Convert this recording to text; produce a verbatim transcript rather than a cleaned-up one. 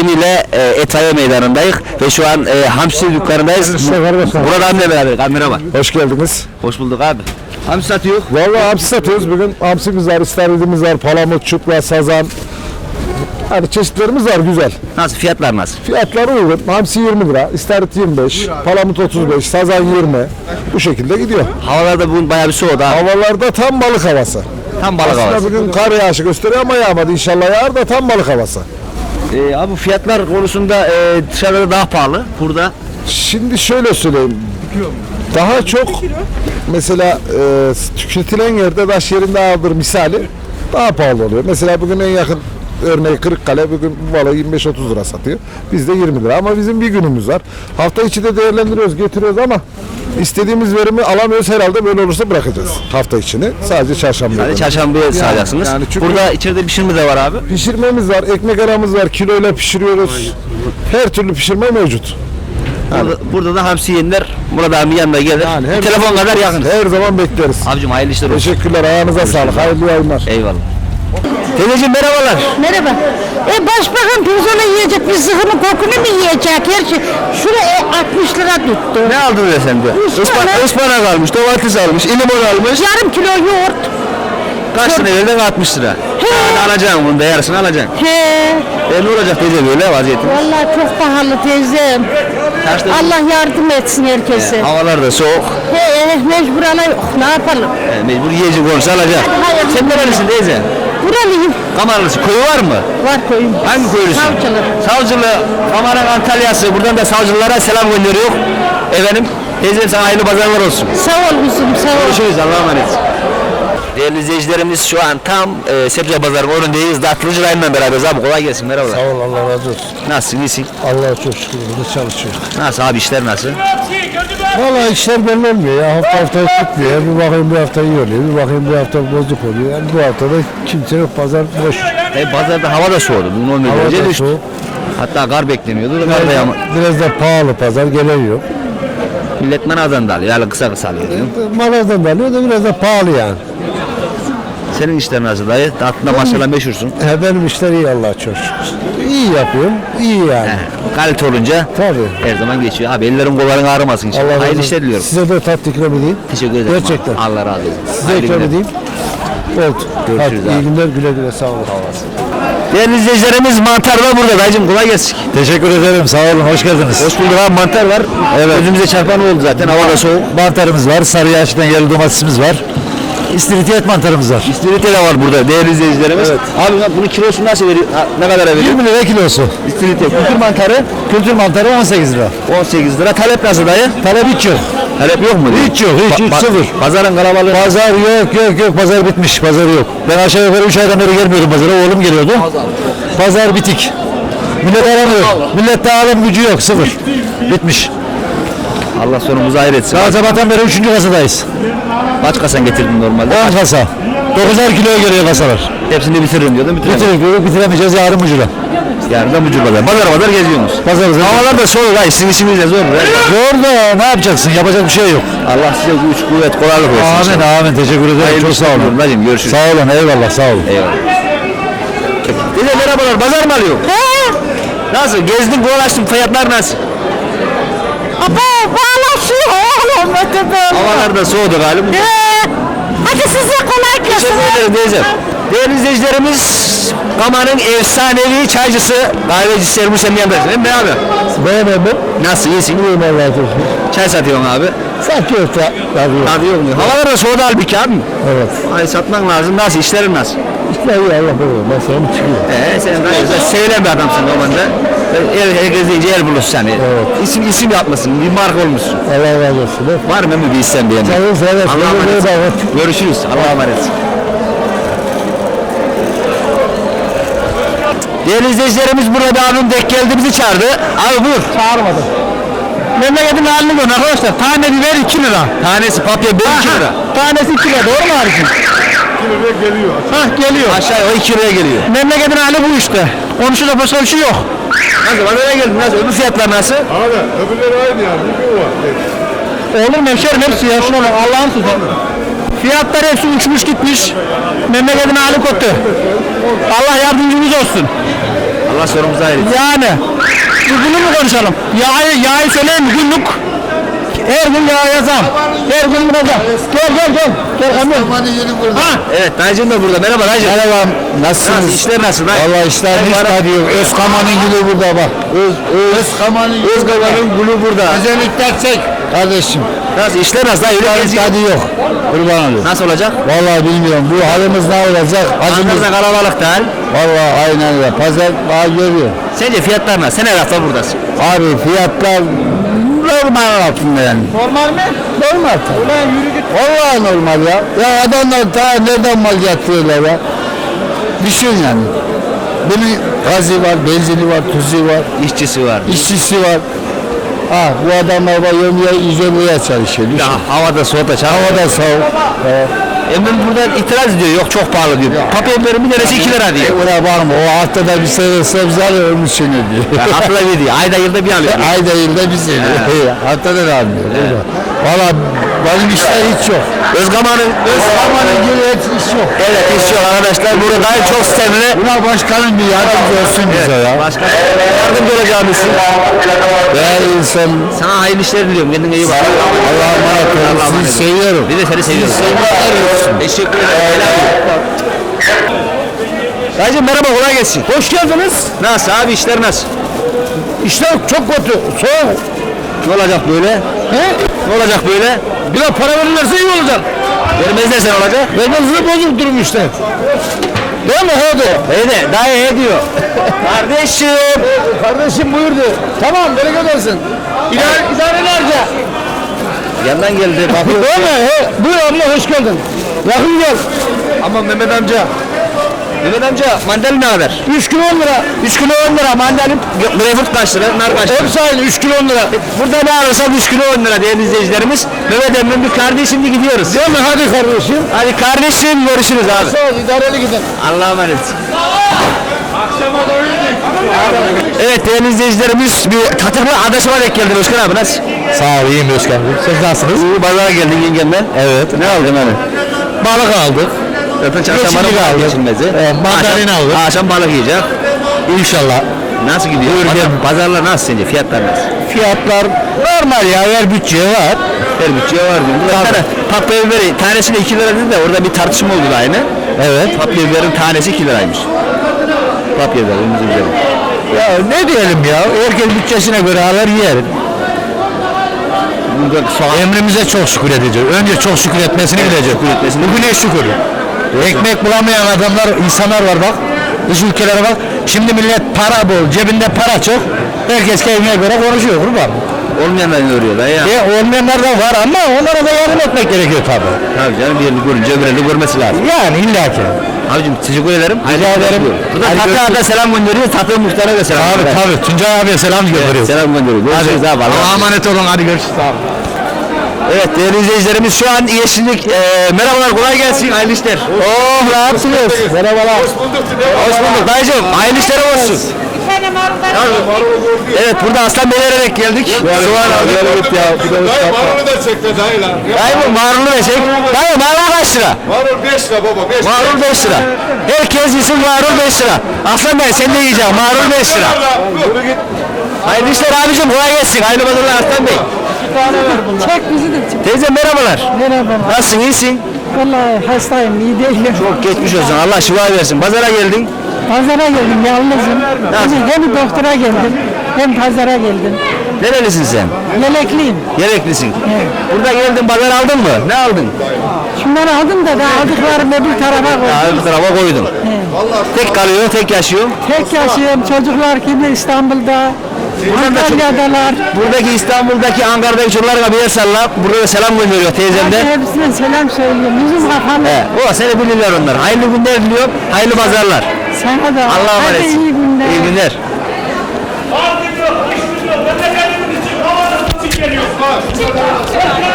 ile e, Etaye Meydanı'ndayız ve şu an e, hamsi dükkanındayız. Burada annemle beraber. Kamera var. Hoş geldiniz. Hoş bulduk abi. Hamsi satıyor. Vallahi hamsi satıyoruz bugün. Hamsimiz var, istavritimiz var, palamut, çupra, sazan. Hani çeşitlerimiz var güzel. Nasıl fiyatlar nasıl? Fiyatları uygun. Hamsi yirmi lira, istavrit yirmi beş, palamut otuz beş, sazan yirmi. Bu şekilde gidiyor. Havalarda bugün bayağı bir soğudu abi. Havalarda tam balık havası. Tam balık Aslında havası. bugün kar yağışı gösteriyor ama yağmadı. İnşallah yağar da tam balık havası. E, abi fiyatlar konusunda e, dışarıda daha pahalı. Burada Şimdi şöyle söyleyeyim. Daha çok mesela e, tüketilen yerde taş yerinde aldır misali daha pahalı oluyor. Mesela bugün en yakın örneği Kırıkkale bugün bu balığı yirmi beş otuz lira satıyor. Bizde yirmi lira ama bizim bir günümüz var. Hafta içi de değerlendiriyoruz, getiriyoruz ama istediğimiz verimi alamıyoruz, herhalde böyle olursa bırakacağız hafta içini. Sadece çarşamba. sadece çarşambaya sağlayacaksınız. yani çünkü- Burada içeride pişirme de var abi. Pişirmemiz var, ekmek aramız var, kiloyla pişiriyoruz. Her türlü pişirme mevcut. Burada, burada da hamsi yiyenler Murat abi yanına gelir. Yani her- Telefon kadar yakın. Her zaman bekleriz. Abicim hayırlı işler olsun. Teşekkürler, ayağınıza sağlık, hayırlı yayınlar. Eyvallah. Teyzeciğim merhabalar. Merhaba. E başbakan pirzola yiyecek, bir sıkımı kokunu mu yiyecek? Her şey. Şuraya e, altmış lira tuttu. Ne aldın be sen de? Ispanak. Ispanak, ıspanak almış, domates almış, limon almış. Yarım kilo yoğurt. Kaç lira verdin? altmış lira. Yani alacaksın bunu da yarısını alacaksın. He. E ne olacak teyze böyle vaziyetin? Vallahi çok pahalı teyzem. Kaçta? Allah yardım etsin herkese. Havalar da soğuk. He, mecbur ala yok. Ne yapalım? E, mecbur yiyecek olursa alacak. Hayır. Sen nerelisin teyze? Buralıyım. Kamarlısı. Koyu var mı? Var koyun. Hangi koyulusun? Savcılı. Savcılı. Kamarın Antalya'sı. Buradan da savcılara selam gönderiyor. Efendim teyzem sana hayırlı pazarlar olsun. Sağ ol kızım, sağ ol. Görüşürüz. Allah'a emanet. Değerli izleyicilerimiz şu an tam e, Sebze Pazarı'nın önündeyiz. Datlıcı Rayman'la beraberiz abi. Kolay gelsin. Merhabalar. Sağ ol, Allah razı olsun. Nasılsın? İyisin? Allah'a çok şükür burada çalışıyor. Nasıl abi işler nasıl? Vallahi işler belli olmuyor ya. Hafta hafta tutmuyor. Bir bakayım bir hafta iyi oluyor. Bir bakayım bir hafta bozuk oluyor. Yani bu haftada kimse yok. Pazar boş. E, pazarda hava da soğudu. Bugün on bir Hava derece da düştü. soğuk. Hatta kar bekleniyordu. Kar Biraz da da, yağma. biraz da pahalı pazar gelen yok. Millet manadan da alıyor. Yani kısa kısa alıyor. diyor. Malazdan da alıyor da biraz da pahalı yani. Senin işler nasıl dayı? Aslında maşallah meşhursun. He, benim işler iyi Allah'a çok şükür. İyi yapıyorum. İyi yani. He, kalite olunca Tabii. her zaman geçiyor. Abi ellerin kolların ağrımasın inşallah. Allah razı Hayırlı olsun. işler diliyorum. Size de tatlı ikram edeyim. Teşekkür ederim. Gerçekten. Allah razı olsun. Size Hayırlı ikram günler. edeyim. Oldu. Görüşürüz Hadi, abi. iyi günler, güle güle, sağ olun. Değerli izleyicilerimiz mantar da burada. Dayıcım kolay gelsin. Teşekkür ederim, sağ olun, hoş geldiniz. Hoş bulduk abi, mantar var. Evet. Gözümüze çarpan oldu zaten. Hava da soğuk. Mantarımız var, sarı yaştan yerli domatesimiz var. İstiridye mantarımız var. İstiridye de var burada değerli izleyicilerimiz. Evet. Abi bunun kilosu nasıl veriyor? Ha, ne kadara veriyor? yirmi lira kilosu. İstiridye. Kültür mantarı Kültür mantarı on sekiz lira. on sekiz lira. Talep nasıl dayı? Talep hiç yok. Talep yok mu? Hiç yok, hiç, hiç, sıfır. Pazarın kalabalığı. Pazar yok, yok, yok. Pazar bitmiş, pazar yok. Ben aşağı yukarı üç aydan beri gelmiyordum pazara, oğlum geliyordu. Pazar bitik. Millet aramıyor. Millette alım gücü yok, sıfır. Bitmiş. Allah sonumuzu hayır etsin. Daha sabahtan beri üçüncü kasadayız. Kaç kasan getirdin normalde? on kasa. dokuzar kiloya geliyor kasalar. Hepsini bitiririm diyordum. Bitiremedim. Bitirip bitiremeyeceğiz yarın ucuna. Yarın da mucur pazar. Pazar pazar geziyorsunuz. Pazar pazar. Havalar da soğuk. Hayır sizin işiniz de zor. Zor da ne yapacaksın? Yapacak bir şey yok. Allah size güç, kuvvet, kolaylık versin. Amin amin. Teşekkür ederim. Hayırlı Çok sağ işler olun. diliyorum. Hacım görüşürüz. Sağ olun. Eyvallah. Sağ olun. Eyvallah. Dede merhabalar. Pazar mı alıyor? He. Nasıl? Gezdin, dolaştın. Fiyatlar nasıl? Aba bağlaşıyor oğlum. Öte böyle. Havalar da soğudu galiba. He. Hadi size kolay gelsin. Teşekkür ederim teyzem. Değerli izleyicilerimiz, Kama'nın efsanevi çaycısı, kahvecisi Ermuş Emmi yanındayız. Değil mi abi? Beğenmedim. Nasıl? İyisin? İyiyim Allah'a çok şükür. Çay satıyorsun abi. Satıyor da. Tabii. Tabii yok mu? Havalar da soğudu halbuki abi. Evet. Ay satman lazım. Nasıl? İşlerin nasıl? İşte iyi Allah korusun. Ben sana çıkıyor. Ee, sen de sevilen bir adamsın normalde. El, herkes deyince el bulursun yani. Evet. İsim, isim yapmasın, bir marka olmuşsun. Allah razı olsun. Var mı bir isim beğenmek? Sağ olun. Sağ olun. Allah'a emanet. Allah'a emanet. Görüşürüz. Allah'a emanet. Değerli izleyicilerimiz, burada bir abim denk geldi, bizi çağırdı. Abi buyur. Çağırmadım. Memleketin halini görün arkadaşlar. Tane biber iki lira. Tanesi papya biber iki lira. Tanesi iki lira. Doğru mu abicim? iki liraya geliyor. Hah geliyor. Aşağıya o iki liraya geliyor. Memleketin hali bu işte. Konuşuda başka bir şey yok. Nasıl? Bana öyle geldi. Nasıl? Öbür fiyatlar nasıl? Abi öbürleri aynı yani. Bir gün var. Olur mu hemşerim hepsi ya şuna bak Allah'ın sözü. Fiyatlar hepsi uçmuş gitmiş. Memleketin hali kötü. Allah yardımcımız olsun. Allah sorumuzu ayrı. Yani bunu mu konuşalım? Yağı, yağı söyleyeyim mi? Günlük her gün yağ yazam. Her gün burada. Gel gel gel. Gel Kamil. Ha. Evet dayıcım da burada. Merhaba dayıcım. Merhaba, Nasıl? nasılsınız? İşler nasıl? dayı? Valla işler hiç tadı yok. Özkaman'ın gülü burada bak. Öz, öz, Özkaman'ın Özgaban'ın gülü burada. Özellikle çek. Kardeşim. Nasıl? İşler nasıl? Dayı? Öyle Tadı, geziyor. tadı yok. Kurban olayım. Nasıl olacak? Vallahi bilmiyorum. Bu halimiz ne olacak? Acımız. Ankara'da kalabalık değil. Vallahi aynen öyle. Pazar daha görüyor. Sence fiyatlar nasıl? Sen her hafta buradasın. Abi fiyatlar normal altında yani. Normal mi? Normal tabii. Ulan yürü git. Vallahi normal ya. Ya adamlar ta nereden mal getiriyorlar ya? Düşün yani. Bunun gazı var, benzini var, tuzu var, İşçisi var. işçisi var. Ha bu adamlar var yömeye izoleye çalışıyor. Düşün. Ya, havada soğukta çağır. Havada soğuk. Evet. Emin burada itiraz ediyor. Yok çok pahalı diyor. Papyonların bir tanesi iki lira diyor. Ona bakma o haftada bir sene sebze alıyor onun için ödüyor. Yani haftada bir diyor. Ayda yılda bir alıyor. Ayda yılda bir sene. Haftada da almıyor. Valla benim işler hiç yok. Özgaman'ın Özkaman'ın gibi hiç iş yok. Evet iş yok arkadaşlar. Burada gayet çok sistemli. Buna başkanım bir yardımcı olsun bize ya. Başka yardımcı olacağımızsın. Değerli insan. Sana hayırlı işler diliyorum. Kendine iyi bak. Allah'a emanet olun. Sizi seviyorum. Biz de seni seviyoruz. Teşekkür ederim. Dayıcım merhaba kolay gelsin. Hoş geldiniz. Nasıl abi işler nasıl? İşler çok kötü. Soğuk. Ne olacak böyle? He? Ne olacak böyle? Biraz para verirlerse iyi olacak. Vermezlerse ne olacak? Vermezse bozuk durum işte. Değil mi? Hadi. İyi de dayı he diyor. Kardeşim. Kardeşim buyurdu. Tamam bereket olsun. İdare, idarelerce. Yandan geldi. Bakıyor. Değil mi? He, buyur abla hoş geldin. Yakın gel. Aman Mehmet amca. Mehmet amca mandalina ne kadar? üç kilo on lira. üç kilo on lira mandalin. Greyfurt kaç lira? Nar kaç lira? Hepsi aynı üç kilo on lira. Burada ne alırsak üç kilo on lira değerli izleyicilerimiz. Mehmet emmin bir kardeşim şimdi gidiyoruz. Değil mi? Hadi kardeşim. Hadi kardeşim görüşürüz abi. Sağ ol idareli gidin. Allah'a emanet. Evet değerli izleyicilerimiz bir Tatırlı adaşıma denk geldi Özkan abi nasıl? Sağ ol, iyiyim Özkan Bey. Siz nasılsınız? İyi pazara geldin yengemden. Evet. Ne aldın hani? Balık aldık. Zaten çarşamba Geçimlik aldık. geçilmezi. Evet, mandalina Akşam- aldık. Akşam balık yiyecek. İnşallah. Nasıl gidiyor? Buyur, Pazar, gel. pazarlar nasıl sence? Fiyatlar nasıl? Fiyatlar normal ya, her bütçeye var. Her bütçeye var diyor. Burada bir tane patlı biberi tanesine iki lira dedi de orada bir tartışma oldu da aynı. Evet. Patlı biberin tanesi iki liraymış. Patlı biber önümüzde güzel. Ya ne diyelim ya, herkes bütçesine göre alır yer. Burada soğan Emrimize çok şükür edeceğiz. Önce çok şükür etmesini bilecek. şükür etmesini Bugüne şükür. Ekmek bulamayan adamlar, insanlar var bak. Dış ülkelere bak. Şimdi millet para bol, cebinde para çok. Herkes kendine göre konuşuyor kurban. olmayanlar ne örüyor da ya? E, olmayanlar da var ama onlara da yardım etmek gerekiyor tabii. Tabii canım birini görünce öbürünü görmesi lazım. Yani illaki. Abicim teşekkür ederim. Rica ederim. Burada Hadi Tatlı görüşürüz. da selam gönderiyor. Tatlı muhtara da selam Tabii gönderiyor. tabii. Tuncay abiye selam gönderiyoruz. Selam gönderiyor. Görüşürüz abi. Allah'a Allah'a emanet. emanet olun. Hadi görüşürüz abi. Evet değerli izleyicilerimiz şu an Yeşillik. E, merhabalar kolay gelsin. Hayırlı işler. Oh ne yaptınız? Merhabalar. Hoş bulduk. Hoş bulduk dayıcım. Hayırlı işler olsun. Evet burada Aslan Beyler'e denk geldik. Soğan aldık. Evet ya. Dayı marulu da çekti dayı lan. Dayı bu marulu ne şey? Dayı marul kaç lira? Marul beş lira baba beş lira. Marul beş lira. Herkes yesin marul beş lira. Aslan Bey sen de yiyeceksin marul beş lira. Yürü git. Hayırlı işler abicim kolay gelsin. Hayırlı pazarlar Aslan Bey. Çek bizi de çek. Teyze merhabalar. Merhaba. Nasılsın iyisin? Vallahi hastayım, iyi değilim. Çok geçmiş olsun. Allah şifa versin. Pazara geldin. Pazara geldim, yalnızım. Nasıl? Hem, hem doktora geldim, hem pazara geldim. Nerelisin sen? Yelekliyim. Gereklisin. Evet. Burada geldin pazar aldın mı? Ne aldın? Şunları aldım da daha aldıklarımı bir tarafa koydum. Ya bir tarafa koydun. Tek kalıyor, tek yaşıyor. Tek yaşıyorum, çocuklar kimi İstanbul'da, Antalya'dalar. Buradaki İstanbul'daki Ankara'daki çocuklara bir el salla. Burada da selam gönderiyor teyzem de. Hadi hepsine selam söylüyorum. Yüzüm kapalı. He, o seni bilirler onlar. Hayırlı günler diliyorum. Hayırlı pazarlar. Sana da. Allah'a Hadi emanet. iyi günler. İyi günler. Memleketimiz için, havanın için geliyoruz.